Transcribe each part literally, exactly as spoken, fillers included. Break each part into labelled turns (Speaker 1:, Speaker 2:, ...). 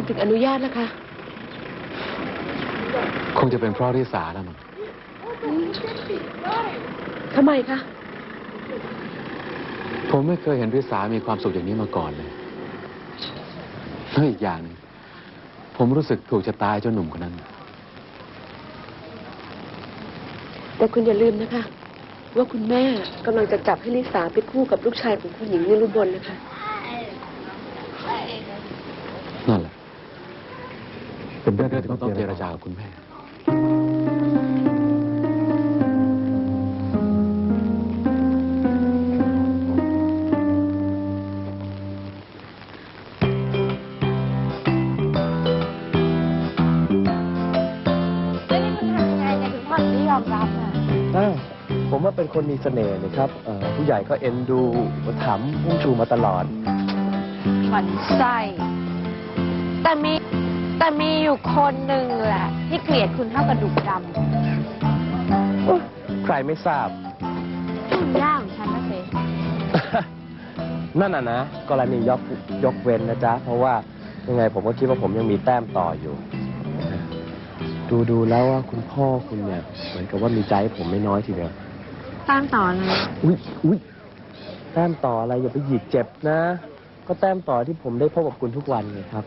Speaker 1: คุณถึงอนุญาตล่ะคะ
Speaker 2: คงจะเป็นเพราะริสาแล้วมั้ง
Speaker 1: ทำไมคะ
Speaker 2: ผมไม่เคยเห็นริสามีความสุขอย่างนี้มาก่อนเลยแล้วอีกอย่างนึงผมรู้สึกถูกชะตาเจ้าหนุ่มคนนั้น
Speaker 1: แต่คุณอย่าลืมนะคะว่าคุณแม่กำลังจะจับให้ลิสาไปคู่กับลูกชายของคุณหญิงนิรุบลนะคะ
Speaker 2: นั่นแหละเป็นเรื่องที่ต้องเจรจากับคุณแม่
Speaker 3: ผมว่าเป็นคนมีเสน่ห์นะครับผู้ใหญ่ก็เอ็นดูถามพุ่งชูมาตลอด
Speaker 4: หวั่นไส้แต่มีแต่มีอยู่คนหนึ่งแหละที่เกลียดคุณเท่ากระดูกด
Speaker 3: ำใครไม่ทราบ
Speaker 4: คุณย่าของฉันนะเซ่
Speaker 3: นั่นน่ะนะกรณียกยกเว้นนะจ๊ะเพราะว่ายังไงผมก็คิดว่าผมยังมีแต้มต่ออยู่ดูดูแล้วว่าคุณพ่อคุณเนี่ยเหมือนกับว่ามีใจผมไม่น้อยทีเดียว
Speaker 4: แต้มต่ออะไร
Speaker 3: อุ้ยอุ้ยแต้มต่ออะไรอย่าไปหยิกเจ็บนะก็แต้มต่อที่ผมได้พบกับคุณทุกวันไงครับ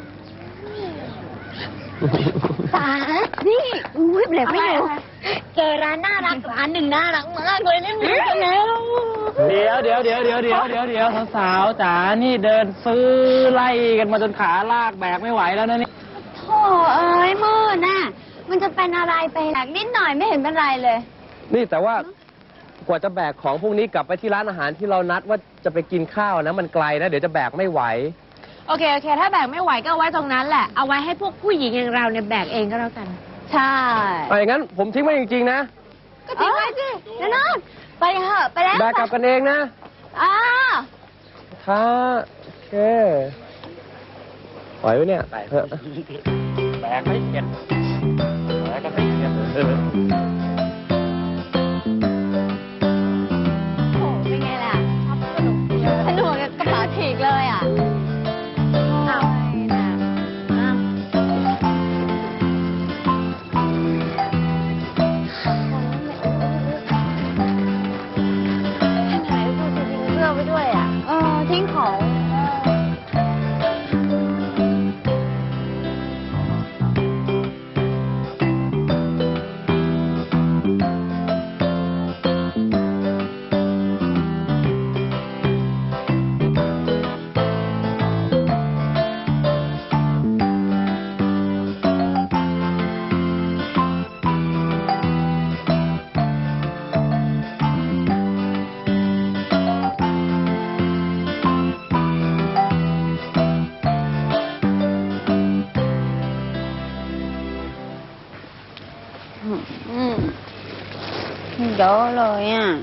Speaker 5: ตานี่อุ้ยเบลไม่ดูเจอร้านน่ารักร้านหนึ่งน่ารักมากเลยเล่นมือกันแล้ว
Speaker 6: เดี๋ยวเดี๋ยวเดี๋ยวเดี๋ยวเดี๋ยวเดี๋ยวเดี๋ยวสาวๆจ๋านี่เดินซื้อไล่กันมาจนขาลากแบกไม่ไหวแล้วนะนี่
Speaker 5: โธ่เอ้ยมืดน่ะมันจะเป็นอะไรไปแบกนิดหน่อยไม่เห็นเป็นไรเลย
Speaker 3: นี่แต่ว่ากว่าจะแบกของพวกนี้กลับไปที่ร้านอาหารที่เรานัดว่าจะไปกินข้าวนะมันไกลนะเดี๋ยวจะแบกไม่ไหว
Speaker 4: โอเคโอเคถ้าแบกไม่ไหวก็เอาไว้ตรงนั้นแหละเอาไว้ให้พวกผู้หญิงอย่างเราเนี่ยแบกเองก็แล้วกัน
Speaker 5: ใช่
Speaker 3: ไปงั้นผมทิ้งไว้จริงๆนะ
Speaker 5: ก็ทิ้งไว้สินั่นนอนไปเถอะไปแล้ว
Speaker 3: แบกกลับกันเองนะ
Speaker 5: อ้า
Speaker 3: ท้าโอเคปล่อยไว้เนี่ย
Speaker 6: เถอะแบกไม่เก็บแบกก็ไม่เก็บ
Speaker 5: สนุกกับกระเป๋าฉีกเลยอ่ะเอาไหนพูดจะทิ้งเสื้อไว้ด้วยอ่ะเออทิ้งของเยอะเลยอ่ะ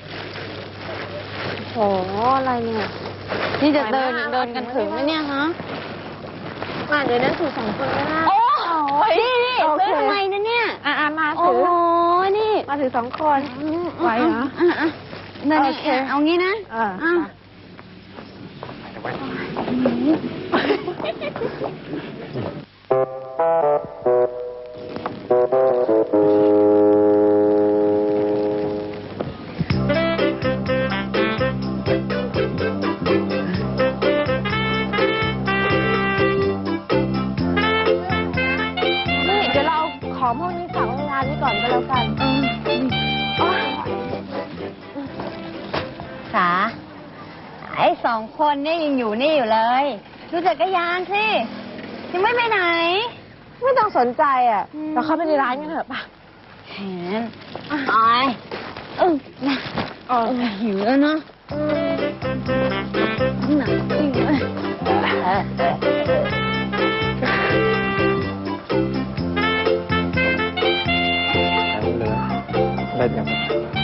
Speaker 5: โหอะไรเนี่ยนี่จะเดินเดินกันถึงไหมเนี่ยฮะมาเดี๋ยวนั้นถือสองคนก็ได้โอ้ยนี่นี่ซื้อทำไมนะเนี่ย
Speaker 4: อ่ามา
Speaker 5: ถือโอ้นี่
Speaker 4: มาถือสองคนไหวเหรอ
Speaker 5: อ่ะอ่ะนั่นเอางี้นะ
Speaker 4: อ่าของพวกนี้ฝากไว้ร้านนี้ก่อนก็แล้วกัน
Speaker 5: สาไอ้สองคนนี่ยังอยู่นี่อยู่เลยดูจักรยานสิยังไม่ไปไหน
Speaker 4: ไม่ต้องสนใจอ่ะเราเข้าไปในร้านกันเถอะป่ะ
Speaker 5: แหมตายเออนะเออหิวแล้วเนาะหนักจริงเลย
Speaker 3: เล่นกัน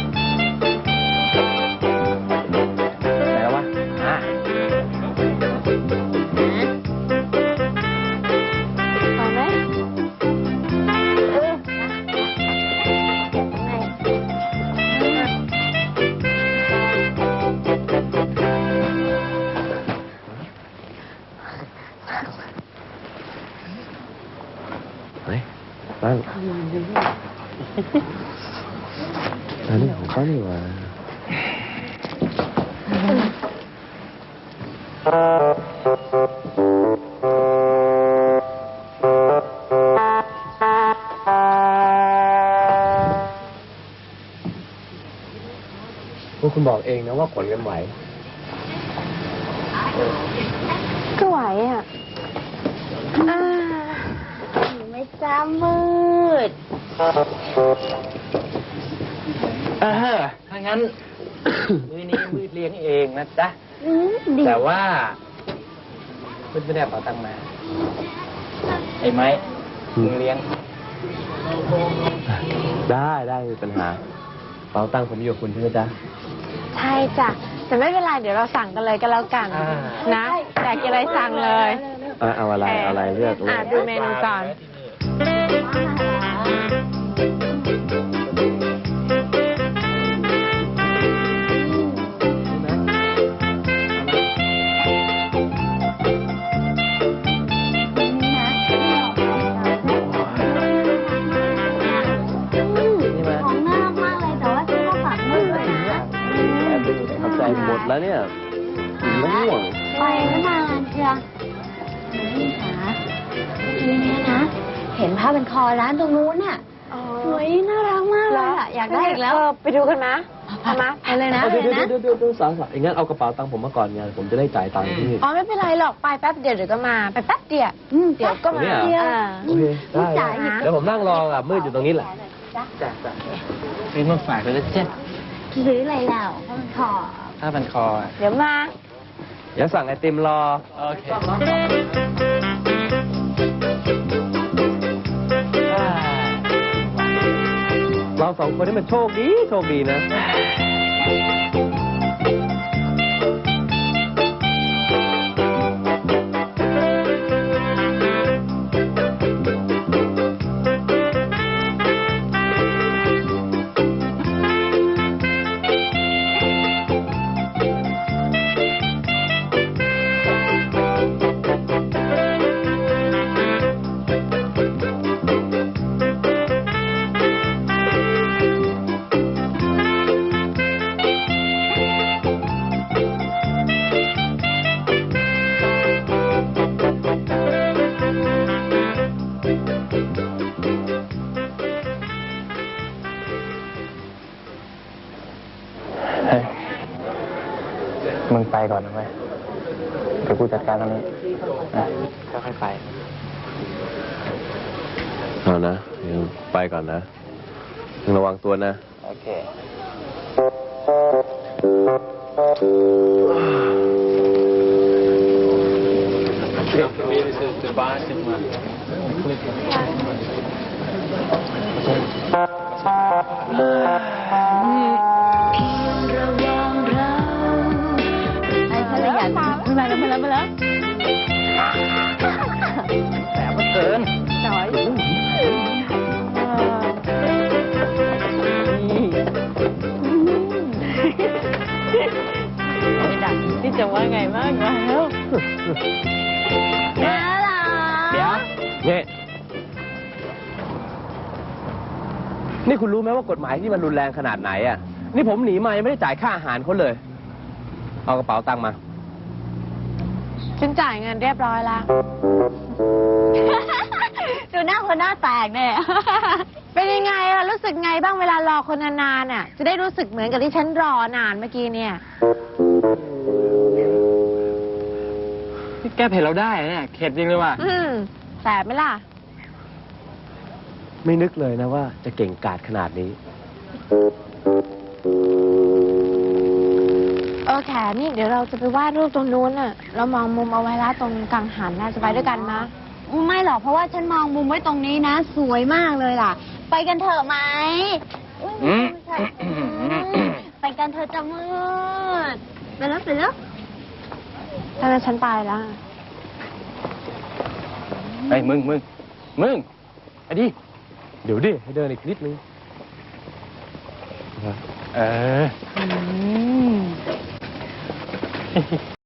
Speaker 3: ไหนแล้ววะอ่ะ
Speaker 4: ไปไหม
Speaker 5: เออ
Speaker 3: เฮ้ยนั่งอันนี้ของเขานี่หว่าพวกคุณบอกเองนะว่าขนกันไหว
Speaker 5: ก็ไหวอ่ะอ่าไม่จ้ามืด
Speaker 6: เออถ้างั้น มื้อนี้มืดเลี้ยงเองนะจ๊ะ
Speaker 5: อืมดี
Speaker 6: แต่ว่ามืดไม่ได้เอาตังค์มา ไอ้ไม้มึงเลี้ยง
Speaker 3: ได้ได้ไม่มีปัญหาเป๋าตังค์ผมอยู่กับคุณใช่ไหมจ๊ะ
Speaker 4: ใช่จ้ะ แต่ไม่เป็นไร เดี๋ยวเราสั่งกันเลยก็แล้วกัน
Speaker 6: อ่า
Speaker 4: นะอยากกินอะไรสั่งเลย
Speaker 3: อ่ะเอาอะไรเอาอะไรเลือกเลื
Speaker 4: อ่ะ
Speaker 3: อก
Speaker 4: ดูเมนูก่อน
Speaker 3: นี่ไหม
Speaker 5: ของน่ารักมากเลยแต่ว่าซื้อมาฝากมืดเลยนะ
Speaker 3: ขอบใจหมดแล้วเนี่ยกินแล้วง่วง
Speaker 5: ไปไม่นานเชียวนี่ค่ะทีนี้นะ เห็นผ้าเป็นคอร้านตรงนู้นน่ะสวยน่ารักมากเลยอ่ะอยากได้อีกแล้ว
Speaker 4: เออไปดูกันมะเอามา
Speaker 5: ไปเลยนะ
Speaker 3: เดี๋ยว
Speaker 5: ไป
Speaker 3: เดี๋ยว
Speaker 5: นะ
Speaker 3: เดี๋ยวเดี๋ยวเดี๋ยวสาวสาวอย่างงั้นเอากระเป๋าตังค์ผมมาก่อนไงผมจะได้จ่ายตังค์ที่นี่
Speaker 4: อ๋อไม่เป็นไรหรอกไปแป๊บเดียวเดี๋ยวก็มา ไปแป๊บเดียว
Speaker 5: อืม
Speaker 4: เดี๋ยวก็มา
Speaker 3: เนี่ย
Speaker 4: อ่า
Speaker 3: โอเคได้
Speaker 5: จ่ายอีก
Speaker 3: เดี๋ยวผมนั่งรออ่ะมืดอยู่ตรงนี้แหละ
Speaker 6: จ้ะจ้ะซื้อมาฝากเลยนะจ๊ะ
Speaker 5: ซื้ออะไรแล้วผ้าเป็นคอ
Speaker 6: ผ้าพันคออ่ะ
Speaker 4: เดี๋ยวมา
Speaker 3: เดี๋ยวสั่งไอติมรอ
Speaker 6: โอเค
Speaker 3: เราสองคนนี่มันโชคดีโชคดีนะ
Speaker 6: เฮ้ย มึงไปก่อนนะเว้ยเดี๋ยวกูจัดการตรงนี้นะค่อยๆไป
Speaker 3: เอานะยังไปก่อนนะยังระวังตัวนะ
Speaker 6: โอเค
Speaker 5: ไอ้ฉันเลยอยากมาแล้วมาแล้วมาแล้ว
Speaker 6: แต่มันเกิน
Speaker 5: จอยไม่ดังที่จะว่าไงบ้างวะแล้วน่ารัก
Speaker 6: เดี๋ยว
Speaker 3: เนี่ยนี่คุณรู้ไหมว่ากฎหมายที่มันรุนแรงขนาดไหนอ่ะ นี่ผมหนีมายังไม่ได้จ่ายค่าอาหารเขาเลย เอากระเป๋าตังค์มา
Speaker 4: ฉันจ่ายเงินเรียบร้อยแล้ว
Speaker 5: ดูหน้าคนหน้าแตกเนี่ย
Speaker 4: เป็นยังไงล่ะ รู้สึกไงบ้างเวลารอคนนานๆน่ะ จะได้รู้สึกเหมือนกับที่ฉันรอนานเมื่อกี้เนี่ย
Speaker 6: นี่แก้เผ็ดเราได้เนี่ย เข็ดจริงเลยว่ะ
Speaker 4: อืมแสบไหมล่ะ
Speaker 3: ไม่นึกเลยนะว่าจะเก่งกาจขนาดนี้
Speaker 4: เออแขนี่เดี๋ยวเราจะไปวาดรูปตรงนู้นน่ะ เรามองมุมเอาไว้แล้วตรงกังหันน่าจะไปด้วยกันมะ
Speaker 5: ไม่หรอกเพราะว่าฉันมองมุมไว้ตรงนี้นะ สวยมากเลยล่ะ ไปกันเถอะไหมอุ๊ย
Speaker 6: อืม
Speaker 5: ไปกันเถอะจะมืดไปแล้วไปแล้ว
Speaker 4: ถ้างั้นฉันไปแล้ว
Speaker 6: เฮ้ย มึง มึง มึงไอ้ดิ
Speaker 3: เดี๋ยวดิให้เดินอีกนิดนึง
Speaker 6: เออ